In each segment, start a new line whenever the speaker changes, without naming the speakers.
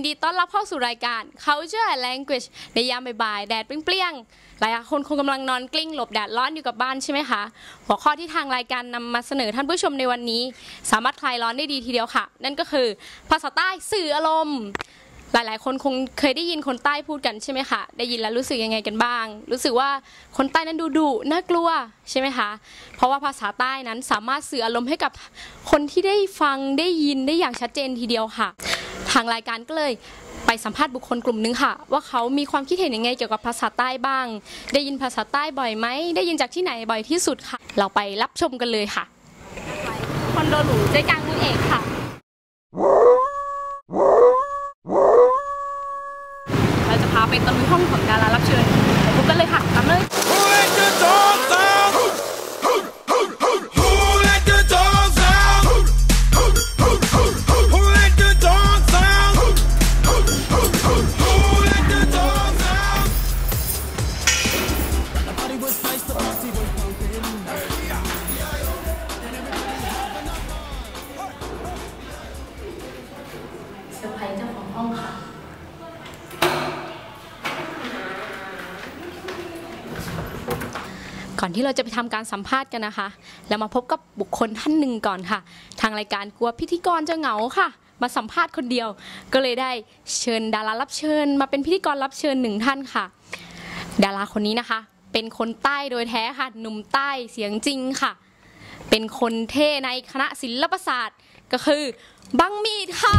ดีต้อนรับเข้าสู่รายการ Culture and Language ในยามบ่ายๆแดดเปรี้ยงๆหลายคนคงกำลังนอนกลิ้งหลบแดดร้อนอยู่กับบ้านใช่ไหมคะหัวข้อที่ทางรายการนำมาเสนอท่านผู้ชมในวันนี้สามารถคลายร้อนได้ดีทีเดียวค่ะนั่นก็คือภาษาใต้สื่ออารมณ์หลายๆคนคงเคยได้ยินคนใต้พูดกันใช่ไหมคะได้ยินแล้วรู้สึกยังไงกันบ้างรู้สึกว่าคนใต้นั้นดุน่ากลัวใช่ไหมคะเพราะว่าภาษาใต้นั้นสามารถสื่ออารมณ์ให้กับคนที่ได้ฟังได้ยินได้อย่างชัดเจนทีเดียวค่ะทางรายการก็เลยไปสัมภาษณ์บุคคลกลุ่มนึงค่ะว่าเขามีความคิดเห็นยังไงเกี่ยวกับภาษาใต้บ้างได้ยินภาษาใต้บ่อยไหมได้ยินจากที่ไหนบ่อยที่สุดค่ะเราไปรับชมกันเลยค่ะคอนโดหรูใจกลางเมืองเอกค่ะเราจะพาไปตะลุยห้องของดารารับเชิญไปพบกันเลยค่ะตามเลยเซอร์ไพรส์เจ้าของห้องค่ะก่อนที่เราจะไปทำการสัมภาษณ์กันนะคะแล้วมาพบกับบุคคลท่านหนึ่งก่อนค่ะทางรายการกลัวพิธีกรจะเหงาค่ะมาสัมภาษณ์คนเดียวก็เลยได้เชิญดารารับเชิญมาเป็นพิธีกรรับเชิญหนึ่งท่านค่ะดาราคนนี้นะคะเป็นคนใต้โดยแท้ค่ะหนุ่มใต้เสียงจริงค่ะเป็นคนเท่ในคณะศิลปศาสตร์ก็คือบังมีดค่ะ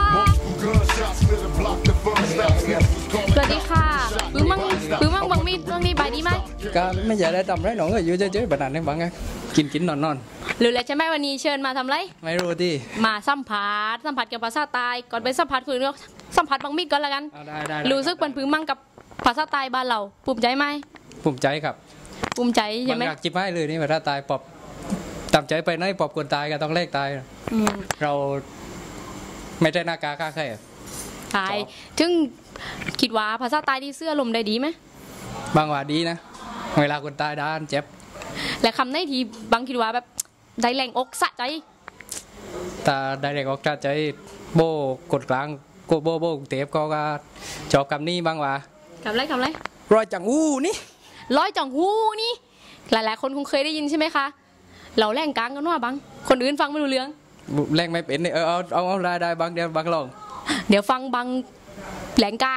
สวัสดีค่ะปื้มมั่งบังมีดเรื่องนี้บายดีไหม
ก็ไม่อยากได้ทำไรหนองก็อยู่เฉยๆแบบนั้นเองบังไงกินนอน
หรือแล้วใช่ไหมวันนี้เชิญมาทำไร
ไม่รู้ที่
มาสัมผัสกับภาษาใต้ก่อนไปสัมผัสคือสัมผัสบังมีดก่อนละกัน
ได้
รู้สึกเป็นปื้มมั่งกับภาษาใต้บ้านเราภูมิใจไหม
ภูมิใจครับ
ภูมิใจใช่ไหม
อยากจิบให้เลยนี่ภาษาใต้ปอบตามใจไปน้อยปอบคนตายก็ต้องเลขตายเราไม่ได้หน้ากาค่าแค่
ตายถึงคิดว่าภาษาใต้ที่เสื้อลมได้ดีไหม
บางว่าดีนะเวลาคนตายด้านเจ็บ
และคำในทีบางคิดว่าแบบได้แรงอกสะใจ
แต่ได้แรงอกสะใจโบกดกลางโบเตฟก็จอบคำนี้บางว่า
คำไร
รอยจังหูนี่
ร้อยจังหูนี่หลายๆคนคงเคยได้ยินใช่ไหมคะเราแรงกลางกันว่าบางคนอื่นฟังไม่รู้เรื่อง
แรงไม่เป็นเนี่ยเอาได้บางเดี๋ยวบางลอง
เดี๋ยวฟังบางแหลงกลาง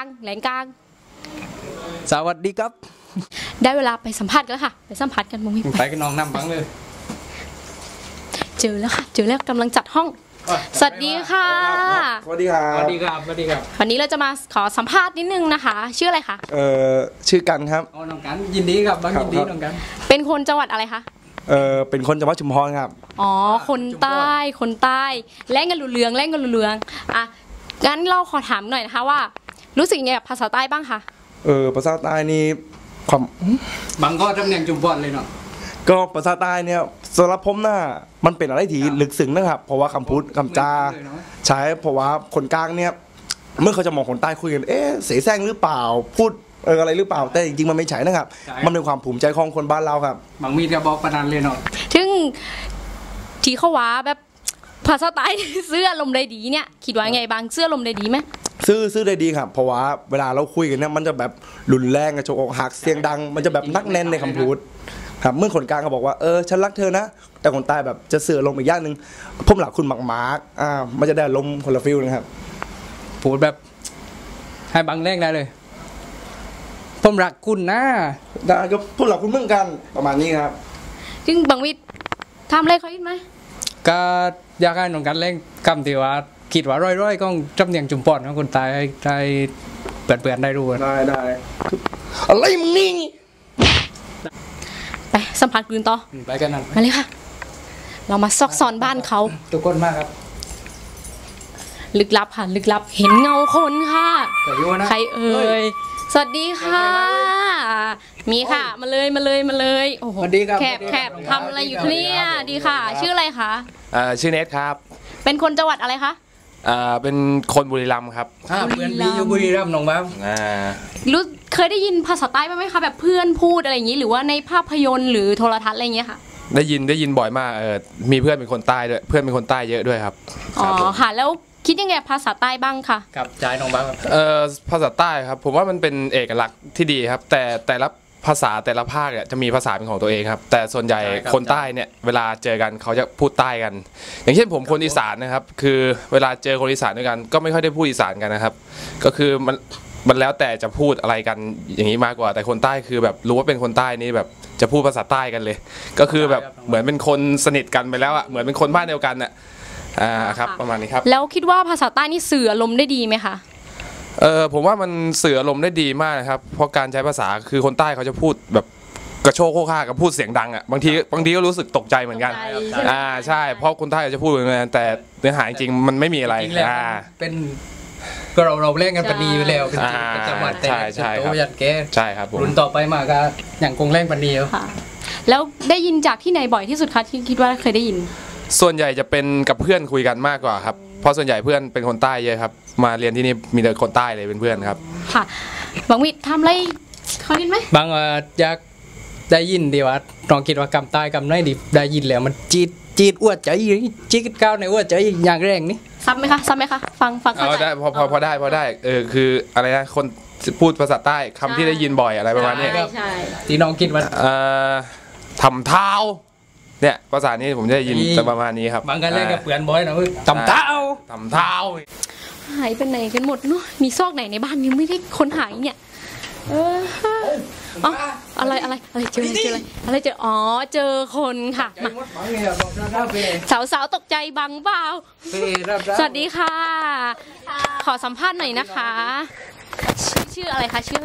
สวัสดีครับ
ได้เวลาไปสัมภาษณ์กันแล้วค่ะไปสัมภาษณ์กันมึง
ไปกันน้องน้ำบังเลย
เจอแล้วกำลังจัดห้องสวัสดีค่ะ
สวัสดีครับ
วันนี้เราจะมาขอสัมภาษณ์นิดนึงนะคะชื่ออะไรคะ
ชื่อกันครับ
น้องกันยินดีครับบังยินดีน้องกัน
เป็นคนจังหวัดอะไรคะ
เป็นคนจังหวัดชุมพรครับ
อ๋อคนใต้แล่งกันหลุเรืองอ่ะงั้นเราขอถามหน่อยนะคะว่ารู้สึกยังไงกับภาษาใต้บ้างคะ
ภาษาใต้นี่ความ
บางก็ทำเนียงจุมพรเลยเนาะ
ก็ภาษาใต้เนี่ยสำหรับผมน่ะมันเป็นอะไรที่ลึกซึ้งนะครับเพราะว่าคำพูดคำจาใช้เพราะว่าคนกลางเนี่ยเมื่อเขาจะมองคนใต้คุยกันเสแสร้งหรือเปล่าพูดอะไรหรือเปล่าแต่จริงๆมันไม่ใช่นะครับมันเป็นความภูมิใจของคนบ้านเราครับ
บางมีดก็บอกประดานเลยเนาะ
ถึงที่เขาว่าแบบภาษาใต้เสื้อลมได้ดีเนี่ยคิดว่าไงบางเสื้อลมได้ดีไหม
ซื้อได้ดีครับเพราะว่าเวลาเราคุยกันเนี่ยมันจะแบบรุนแรงกระโจกอกหักเสียงดังมันจะแบบนักแน่นในคำพูดครับเมื่อคนกลางเขาบอกว่าฉันรักเธอนะแต่คนใต้แบบจะเสือลมอีกอย่างหนึ่งผมหลักคุณมาร์กมันจะได้ลมคนละฟิลนะครับ
พูดแบบให้บางแรงได้เลยผมรักคุณนะ
ได้ก็พูดหลักคุณเหมือนกันประมาณนี้ครับ
จึงบางวิทย์ทำอะไรเขาอีกไหม
ก็อยากให้น้องกันเล่นคำที่ว่าคิดว่าร้อยก็จำเนียงจุ่มปอนของคนตายได้เปื่อนได้รู้
ได้อะไรมึงนี่
ไปสัมผัสปืนต่อ
ไปกันนั่น
มาเลยค่ะเรามาซอกซอนบ้านเขา
ทุกคนมากครับ
ลึกลับค่ะลึกลับเห็นเงาคนค่ะใครเอ่ยสวัสดีค่ะมีค่ะมาเลยโอ้โหแคบทำอะไรอยู่เนี่ยดีค่ะชื่ออะไรคะ
ชื่อเนทครับ
เป็นคนจังหวัดอะไรคะ
เป็นคนบุรีรัมย์ครับ
เพื่อนมีอยู่บุรีรัมย์น้องบ้าง
รู้เคยได้ยินภาษาใต้ไหมคะแบบเพื่อนพูดอะไรอย่างนี้หรือว่าในภาพยนตร์หรือโทรทัศน์อะไรอย่างเงี้ยค่ะได้
ยินบ่อยมากมีเพื่อนเป็นคนใต้ด้วยเพื่อนเป็นคนใต้เยอะด้วยครับ
อ๋อค่ะแล้วคิดยังไงกับภาษาใต้บ้างคะ
กับจ่ายน้องบ้างครับ
ภาษาใต้ครับผมว่ามันเป็นเอกลักษณ์ที่ดีครับแต่ละภาษาแต่ละภาคเนี่ยจะมีภาษาเป็นของตัวเองครับแต่ส่วนใหญ่คนใต้เนี่ยเวลาเจอกันเขาจะพูดใต้กัน อย่างเช่นผมคนอีสานนะครับคือเวลาเจอคนอีสานด้วยกันก็ไม่ค่อยได้พูดอีสานกันนะครับก็คือมันแล้วแต่จะพูดอะไรกันอย่างนี้มากกว่าแต่คนใต้คือแบบรู้ว่าเป็นคนใต้นี่แบบจะพูดภาษาใต้กันเลย ก็คือแบบเหมือนเป็นคนสนิทกันไปแล้วอ่ะเหมือนเป็นคนบ้านเดียวกันอ่ะครับประมาณนี้ครับ
แล้วคิดว่าภาษาใต้นี่สื่ออารมณ์ได้ดีไหมคะ
ผมว่ามันสื่ออารมณ์ได้ดีมากนะครับเพราะการใช้ภาษาคือคนใต้เขาจะพูดแบบกระโชกโคกห้ากับพูดเสียงดังอ่ะบางทีก็รู้สึกตกใจเหมือนกันใช่เพราะคนใต้จะพูดเหมือนกันแต่เนื้อหาจริงมันไม่มีอะไร
จริงแล้วเป็นก็เราเล่นกันปนีอยู่แล้วเป็นจังหวัดแต่โตยันแก
ใช่ครับ
รุ่นต่อไปมาก็อย่างคงเล่นปนีอยู่
แล้วได้ยินจากที่ไหนบ่อยที่สุดคะที่คิดว่าเคยได้ยิน
ส่วนใหญ่จะเป็นกับเพื่อนคุยกันมากกว่าครับเพราะส่วนใหญ่เพื่อนเป็นคนใต้เยอะครับมาเรียนที่นี่มีแต่คนใต้เลยเป็นเพื่อนครับ
ค่ะบางวิทำอะไรเขายินไหม
บางอยากได้ยินดีว่าลองคิดว่ากำใต้กำไหนดีได้ยินแล้วมันจีดอ้วดใจจีดก้าวในอ้วดใจอย่างแรงนี่
ซับไหมคะฟัง
ได้พอได้คืออะไรนะคนพูดภาษาใต้คำที่ได้ยินบ่อยอะไรประมาณนี้
ใช่
ที่น้องคิดว่า
ทำเท้าเนี่ยภาษานี้ผมจะยินประมาณนี้ครับ
บางกันเล่นกับเปื่อนบ่อยนะทำเท้า
หายไปไหนกันหมดเนาะมีซอกไหนในบ้านยังไม่ได้ค้นหาเนี่ยอะไรเจออะไรเจออ๋อเจอคนค่ะสาวตกใจบังเปล่าสวัสดีค่ะขอสัมภาษณ์หน่อยนะคะชื่ออะไรคะชื่อ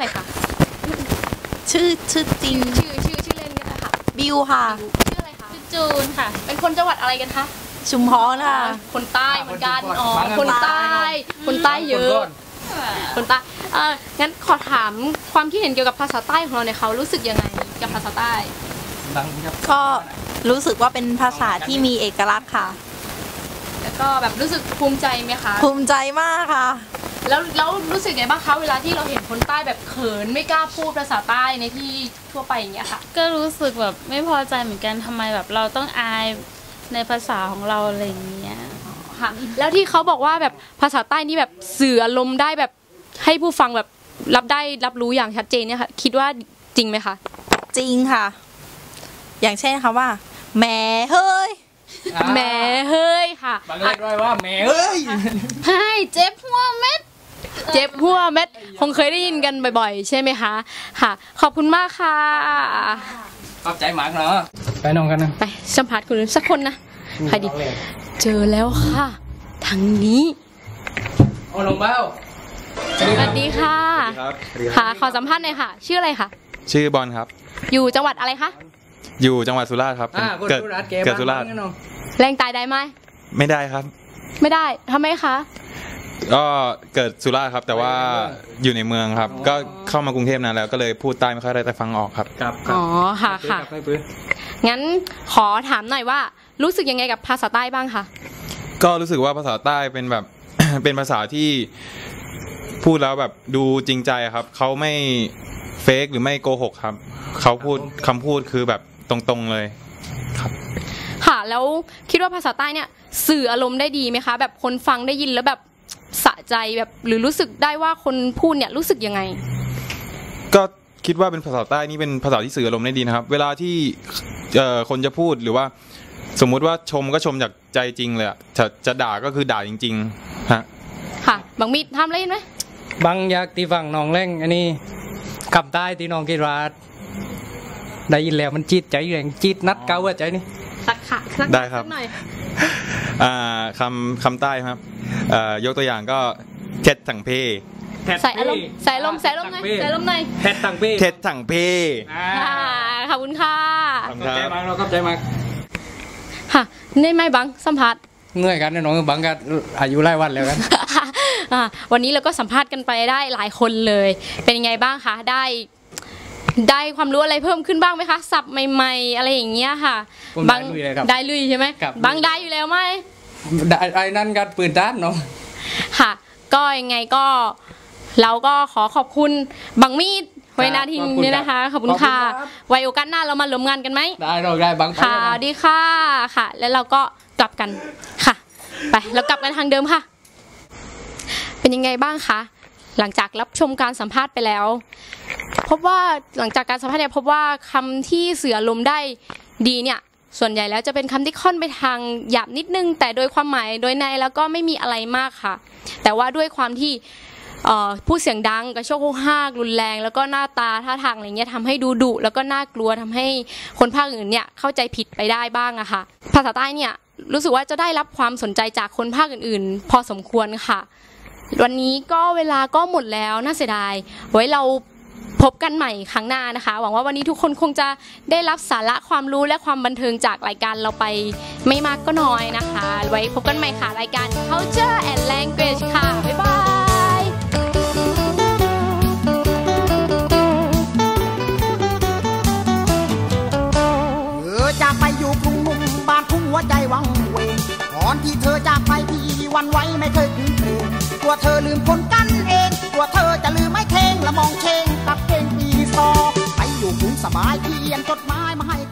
จริง
ชื่อเล่นกันค่ะ
บิวค่ะ
ชื่ออะไรคะชื่อจูนค่ะเป็นคนจังหวัดอะไรกันคะ
ชุมพรค่ะ
คนใต้เหมือนกันอ๋อคนใต้เยอะคนใต้งั้นขอถามความคิดเห็นเกี่ยวกับภาษาใต้ของเราเนี่ยเขารู้สึกยังไงกับภาษาใต้
ก็รู้สึกว่าเป็นภาษาที่มีเอกลักษณ์ค่ะ
แล้วก็แบบรู้สึกภูมิใจไหมคะ
ภูมิใจมากค่ะ
แล้วรู้สึกไงบ้างคะเวลาที่เราเห็นคนใต้แบบเขินไม่กล้าพูดภาษาใต้ในที่ทั่วไปอย่างเงี้ยค่ะ
ก็รู้สึกแบบไม่พอใจเหมือนกันทำไมแบบเราต้องอายในภาษาของเราอะไรอย่างเงี้ย
ค่ะแล้วที่เขาบอกว่าแบบภาษาใต้นี่แบบสื่ออารมณ์ได้แบบให้ผู้ฟังแบบรับรู้อย่างชัดเจนเนี่ยค่ะคิดว่าจริงไหมคะ
จริงค่ะอย่างเช่นค่ะว่าแหมเฮ้ย
ค่ะ
บางเรียกด้วยว่าแหมเฮ้ย
ให้เจ็บหัวเม็ดคงเคยได้ยินกันบ่อยๆใช่ไหมคะค่ะขอบคุณมากค่ะ
ขอบใจมากเนาะไปน้องกันนะ
ไปสัมภาษณ์คุณสักคนนะใครดีเจอแล้วค่ะทางนี้
โอ้น้องเบ้า
สวัสดีค่ะค่ะขอสัมภาษณ์หน่อยค่ะชื่ออะไรคะ
ชื่อบอลครับ
อยู่จังหวัดอะไรคะ
อยู่จังหวัดสุราษฎร์ครับเกิดสุราษฎร์
แรงตายได้ไหม
ไม่ได้ครับ
ไม่ได้ทำไมคะ
ก็เกิดสุราษฎร์ครับแต่ว่าอยู่ในเมืองครับก็เข้ามากรุงเทพนานแล้วก็เลยพูดใต้ไม่ค่อยได้แต่ฟังออกครับ
อ๋อค่ะงั้นขอถามหน่อยว่ารู้สึกยังไงกับภาษาใต้บ้างคะ
ก็รู้สึกว่าภาษาใต้เป็นแบบ เป็นภาษาที่พูดแล้วแบบดูจริงใจครับเขาไม่เฟกหรือไม่โกหกครับเขาพูดคำพูดคือแบบตรงๆเลยครับ
ค่ะแล้วคิดว่าภาษาใต้เนี่ยสื่ออารมณ์ได้ดีไหมคะแบบคนฟังได้ยินแล้วแบบสะใจแบบหรือรู้สึกได้ว่าคนพูดเนี่ยรู้สึกยังไง
ก็คิดว่าเป็นภาษาใต้นี่เป็นภาษาที่สื่ออารมณ์ได้ดีนะครับเวลาที่คนจะพูดหรือว่าสมมุติว่าชมก็ชมจากใจจริงเลยอะจะด่าก็คือด่าจริงๆฮะ
ค่ะบางมีทำอะไรไหม
บางอยากตีฝั่งน้องเล่งอันนี้ขับใต้ที่น้องกิราดได้ยินแล้วมันจีดใจแรงจีดนัดเก้าว่าใจนี่
สักค่ะ
ได้ครับคำใต้ครับยกตัวอย่างก็เท็ดถังเพ
ใส่อารมณ์ไงใส่อารมณ์หน่อย
เท็ดถังเพ
ขอบคุณค่ะ
ขอบใจมากเราขอบใจมาก
ค่ะนี่ไม่บังสัมภาษณ์
เหนื่อยกันน้องบังกันอายุไล่วันแล้วกัน
วันนี้เราก็สัมภาษณ์กันไปได้หลายคนเลยเป็นยังไงบ้างคะได้ความรู้อะไรเพิ่มขึ้นบ้างไหมคะศัพท์ใหม่ๆอะไรอย่างเงี้ยค่ะ
บาง
ได้ลุยใช่ไหมบางได้อยู่แล้วไหม
ไอ้นั่นกันปืนด้านเนาะ
ค่ะก็ยังไงก็เราก็ขอบคุณบางมีดไว้นาทีนี้นะคะขอบคุณค่ะไว้โอกาสหน้าเรามาร่วมงานกันไหม
ได้บาง
ค่ะดีค่ะแล้วเราก็กลับกันค่ะไปเรากลับกันทางเดิมค่ะเป็นยังไงบ้างคะหลังจากรับชมการสัมภาษณ์ไปแล้วพบว่าหลังจากการสัมภาษณ์เนี่ยพบว่าคำที่สื่ออารมณ์ได้ดีเนี่ยส่วนใหญ่แล้วจะเป็นคำที่ค่อนไปทางหยาบนิดนึงแต่โดยความหมายโดยในแล้วก็ไม่มีอะไรมากค่ะแต่ว่าด้วยความที่พูดเสียงดังกระโชกโฮฮากรุนแรงแล้วก็หน้าตาท่าทางอะไรเงี้ยทำให้ดูดุแล้วก็น่ากลัวทำให้คนภาคอื่นเนี่ยเข้าใจผิดไปได้บ้างอะค่ะภาษาใต้เนี่ยรู้สึกว่าจะได้รับความสนใจจากคนภาคอื่นๆพอสมควรค่ะวันนี้ก็เวลาก็หมดแล้วน่าเสียดายไว้เราพบกันใหม่ครั้งหน้านะคะหวังว่าวันนี้ทุกคนคงจะได้รับสาระความรู้และความบันเทิงจากรายการเราไปไม่มากก็น้อยนะคะไว้พบกันใหม่ค่ะรายการ Culture and Language ค่ะบ๊ายบาย
จากไปอยู่กรุงนุ่มบ้านทุ่งหัวใจวังเวงก่อนที่เธอจากไปพี่วันไว้ไม่เคยคืนเพลงกลัวเธอลืมคนกันเองกลัวเธอจะลืมไม่เทงและมองเชงกับเพลงปีซอไปอยู่กรุงสบายเขียนจดหมายมาให้